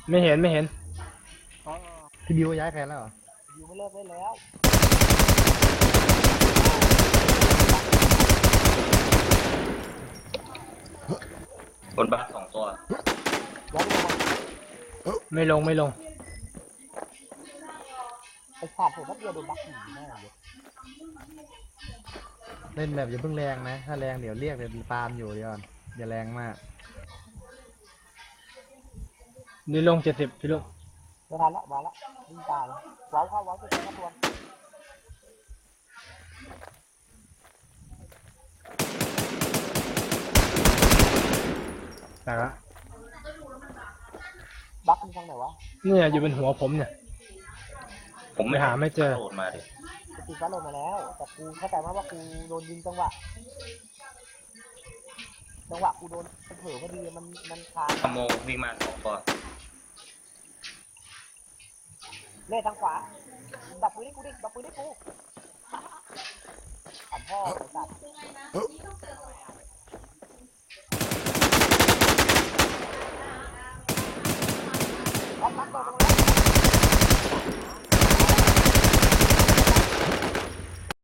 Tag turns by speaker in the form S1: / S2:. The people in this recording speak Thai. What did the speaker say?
S1: ไม่เห็นไม่เห็น
S2: อ๋อ
S3: พี่บิวย้ายแผนแล้วเหรอ
S2: อยู่ไม่เลิกได้แล้ว
S4: บนบ้าน2 ตัว
S2: ย้ายไปลงมา
S1: ไม่ลงไม่ลง
S2: ไอ้ขาดผมก็เดียวโดนบักหนีแน่เลย
S3: เล่นแบบอย่าเพิ่งแรงนะถ้าแรงเดี๋ยวเรียกเดี๋ยวตามอยู่เดี๋ยวก่อนอย่าแรงมาก
S1: นี่ลง70พี่ลูก
S2: ไม่ทันละมาละวิ่งตายเลยว้าวเข้าว้าวจะเจอตัว
S1: แต่ละ
S2: บักมีทางไหนวะ
S1: เนี่ยอยู่บนหัวผมเนี่ย
S4: ผมไม่
S1: หาไม่เจอ
S4: โหลดมาดิ
S2: สตีฟ้าลงมาแล้วแต่กูเข้าใจว่ากูโดนยิงจังหวะกูโดนเผลอพอดีมันคา
S4: ขโมยวิ่งมา2 ตัว
S2: เล่ทางขวาดับปืนให้กูดิดับปืนให้กูขันพ่อไอ้สัตว์